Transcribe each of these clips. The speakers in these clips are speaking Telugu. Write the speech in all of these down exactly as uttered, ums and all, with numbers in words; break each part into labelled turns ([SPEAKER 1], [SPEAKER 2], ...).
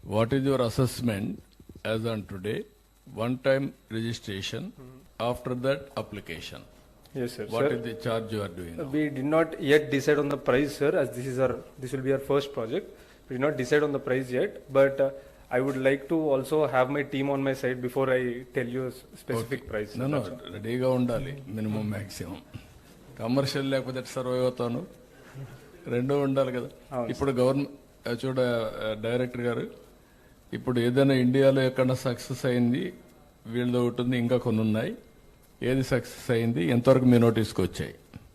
[SPEAKER 1] What is your assessment as on today? One time registration, after that application.
[SPEAKER 2] Yes, sir.
[SPEAKER 1] What
[SPEAKER 2] Sir,
[SPEAKER 1] is the charge you are doing now?
[SPEAKER 2] we did not yet decide on the price, sir, as this is our, this will be our first project. We did not decide on the price yet, but uh, I would like to also have my team on my side before I tell you a s- specific price.
[SPEAKER 1] No, no, రెడీగా ఉండాలి మినిమం మ్యాక్సిమం. కమర్షియల్ లేకపోతే సర్వైవ్ అవుతాను, రెండూ ఉండాలి కదా. ఇప్పుడు గవర్నమెంట్ చూడ డైరెక్టర్ గారు, ఇప్పుడు ఏదైనా ఇండియాలో ఎక్కడ సక్సెస్ అయింది వీళ్ళది ఒకటి ఉంది, ఇంకా కొన్ని ఉన్నాయి. ఏది సక్సెస్ అయింది, ఎంతవరకు మీ నోటీస్కి వచ్చాయి?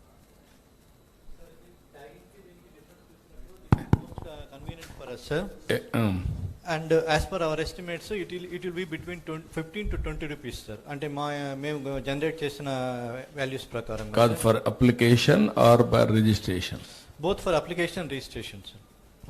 [SPEAKER 3] Convenient for us, sir.
[SPEAKER 1] A- um.
[SPEAKER 3] And uh, as per our estimates, it will it will be between fifteen to twenty rupees, sir. అంటే మా మేము జనరేట్ చేసిన వాల్యూస్ ప్రకారం
[SPEAKER 1] కాదు, for application or for registration?
[SPEAKER 3] Both for application registration, sir.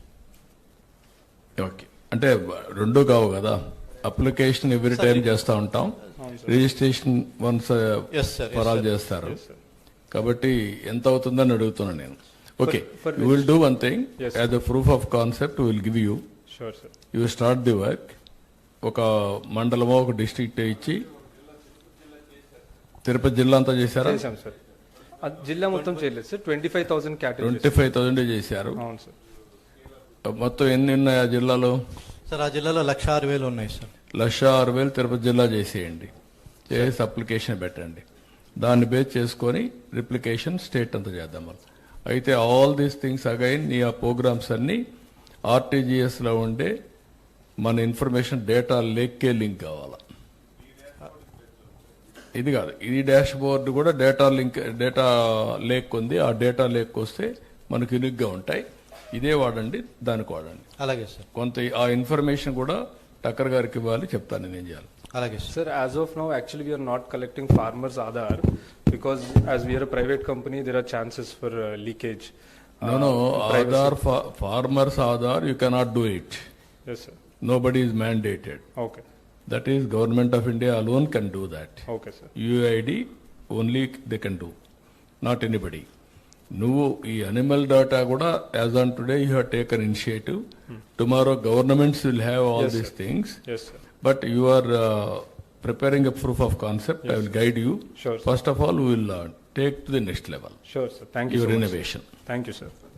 [SPEAKER 1] Okay, అంటే రెండు కావు కదా. అప్లికేషన్ ఎవ్రీ టైం చేస్తూ ఉంటాం, registration once
[SPEAKER 3] Yes, sir.
[SPEAKER 1] For
[SPEAKER 3] Yes,
[SPEAKER 1] all
[SPEAKER 3] sir.
[SPEAKER 1] చేస్తారు. కాబట్టి ఎంత అవుతుందని అడుగుతున్నాను నేను. ఓకే,
[SPEAKER 2] for
[SPEAKER 1] you will do one thing.
[SPEAKER 2] Yes,
[SPEAKER 1] as a proof of concept will give you.
[SPEAKER 2] Sure, sir.
[SPEAKER 1] You start the work. ఒక మండలమో ఒక డిస్ట్రిక్ట్ ఇచ్చి, తిరుపతి జిల్లా అంతా చేశారా?
[SPEAKER 2] చేశాం సార్. ఆ జిల్లా మొత్తం చేయలేదు sir, twenty five thousand
[SPEAKER 1] twenty
[SPEAKER 2] categories.
[SPEAKER 1] Five thousand చేశారు.
[SPEAKER 2] అవును సార్.
[SPEAKER 1] మొత్తం ఎన్ని ఉన్నాయి ఆ జిల్లాలో?
[SPEAKER 3] సార్, ఆ జిల్లాలో లక్ష ఆరు వేలు ఉన్నాయి, సార్.
[SPEAKER 1] లక్ష ఆరు వేలు తిరుపతి జిల్లా చేసేయండి, చేసి అప్లికేషన్ పెట్టండి. దాన్ని బేస్ చేసుకొని రిప్లికేషన్ స్టేట్ అంతా చేద్దాం మనం. అయితే ఆల్ దీస్ థింగ్స్ అగైన్ నీ ఆ ప్రోగ్రామ్స్ అన్ని ఆర్టీజీఎస్లో ఉండే మన ఇన్ఫర్మేషన్ డేటా లేక్కే లింక్ కావాలా. ఇది కాదు, ఇది డాష్ బోర్డ్ కూడా డేటా లింక్, డేటా లేక్ ఉంది. ఆ డేటా లేక్ వస్తే మనకు యూనిక్గా ఉంటాయి. ఇదే వాడండి, దానికి వాడండి.
[SPEAKER 3] అలాగే సార్,
[SPEAKER 1] కొంత ఆ ఇన్ఫర్మేషన్ కూడా టక్కర్ గారికి ఇవ్వాలి, చెప్తాను నేను ఏం చేయాలి.
[SPEAKER 3] అలాగే sir.
[SPEAKER 2] Sir, as of now, actually, we are not collecting farmers' Aadhaar because as we are a private company, there are chances for uh, leakage.
[SPEAKER 1] No, no, Aadhaar, fa- farmers Aadhaar, you cannot do it.
[SPEAKER 2] Yes, sir.
[SPEAKER 1] Nobody is mandated.
[SPEAKER 2] Okay.
[SPEAKER 1] That is, Government of India alone can do that.
[SPEAKER 2] Okay, sir.
[SPEAKER 1] U I D only they can do, not anybody. నువ్వు ఈ అనిమల్ డేటా కూడా as on today you have taken initiative. Tomorrow governments will have all
[SPEAKER 2] Yes,
[SPEAKER 1] these
[SPEAKER 2] sir.
[SPEAKER 1] Things,
[SPEAKER 2] Yes, sir.
[SPEAKER 1] But you are preparing a proof of concept. I will guide you.
[SPEAKER 2] Sure, sir.
[SPEAKER 1] First of all, we will uh, take to the next level
[SPEAKER 2] Sure, sir. Thank you
[SPEAKER 1] your
[SPEAKER 2] so much.
[SPEAKER 1] innovation.
[SPEAKER 2] Thank you, sir.